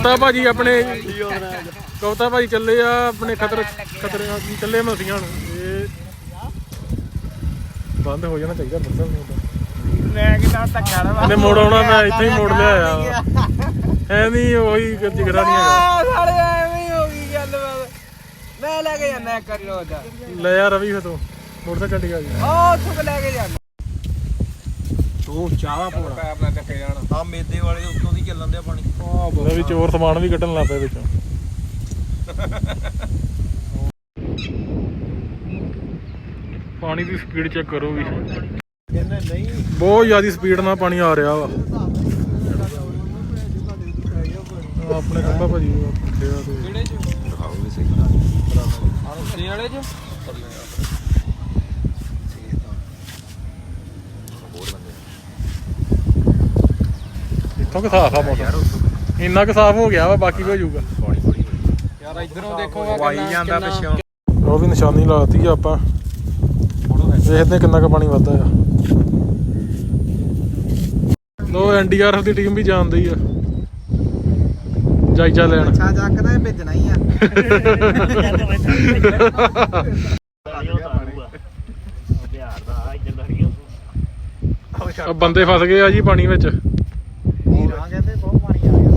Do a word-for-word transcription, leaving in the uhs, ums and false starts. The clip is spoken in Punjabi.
ਕਵਤਾ ਭਾਜੀ ਆਪਣੇ ਕਵਤਾ ਭਾਜੀ ਚੱਲੇ ਆ ਆਪਣੇ ਖਤਰ ਖਤਰੇ ਚੱਲੇ ਮਸੀਆਂ ਨੂੰ ਇਹ ਬੰਦ ਹੋ ਜਾਣਾ ਚਾਹੀਦਾ ਬੱਸਾਂ ਨੂੰ ਮੈਂ ਕਿਹਾ ਧੱਕਾ ਨਾ ਇਹਨੇ ਮੋੜ ਆਉਣਾ ਮੈਂ ਇੱਥੇ ਹੀ ਮੋੜ ਲਿਆ ਐ ਨਹੀਂ ਉਹੀ ਜਿਗਰਾ ਨਹੀਂ ਹੈਗਾ ਸਾਲੇ ਐਵੇਂ ਹੀ ਹੋ ਗਈ ਗੱਲ ਮੈਂ ਲੈ ਕੇ ਜਾਣਾ ਇੱਕ ਵਾਰੀ ਰੋਜ਼ ਦਾ ਲੈ ਯਾਰ ਰਵੀ ਫਤੋ ਮੋਟਰਸਾਈਕਲ ਕੱਢ ਗਿਆ ਜੀ ਉਹ ਉੱਥੋਂ ਲੈ ਕੇ ਜਾਣਾ ਤੂੰ ਚਾਵਾ ਪੋਣਾ ਪੈਪ ਨਾਲ ਚੱਕੇ ਜਾਣਾ ਆ ਮੇਦੇ ਵਾਲੇ ਉੱਤੋਂ ਦੀ ਚੱਲਣ ਦਿਆ ਪਾਣੀ ਲੈ ਵੀ ਚੋਰ ਸਮਾਨ ਵੀ ਕੱਢਣ ਲੱਗ ਪਏ ਵਿੱਚੋਂ ਪਾਣੀ ਦੀ ਸਪੀਡ ਚੈੱਕ ਕਰੋ ਵੀ ਨਹੀਂ ਬਹੁਤ ਜ਼ਿਆਦਾ ਸਪੀਡ ਨਾਲ ਪਾਣੀ ਆ ਰਿਹਾ ਵਾ ਆਪਣੇ ਖੰਭਾ ਭਾਜੀ ਕਿਹੜੇ ਚ ਦਿਖਾਓ ਵੀ ਸਹੀ ਛੇ ਵਾਲੇ ਚ ਇੱਥੋਂ ਕਿ ਸਾਫ ਆ ਮੌਸਮ ਇੰਨਾ ਕੁ ਸਾਫ ਹੋ ਗਿਆ ਵਾ ਬਾਕੀ ਵੀ ਹੋ ਜਾਊਗਾ ਯਾਰ ਇਧਰੋਂ ਦੇਖੋਗਾ ਵਾਈ ਜਾਂਦਾ ਪਿੱਛੋਂ ਉਹ ਵੀ ਨਿਸ਼ਾਨੀ ਲਾਤੀ ਆ ਆਪਾਂ ਦੇਖਦੇ ਕਿੰਨਾ ਕੁ ਪਾਣੀ ਵੱਧਦਾ ਆ ਲੋ ਐਨ ਡੀ ਆਰ ਐਫ ਦੀ ਟੀਮ ਵੀ ਜਾਂਦੀ ਆ ਜਾਇਜ਼ਾ ਲੈਣ ਅੱਛਾ ਚੱਕਦਾ ਭੇਜਣਾ ਹੀ ਆ ਬੰਦੇ ਫਸ ਗਏ ਆ ਜੀ ਪਾਣੀ ਵਿੱਚ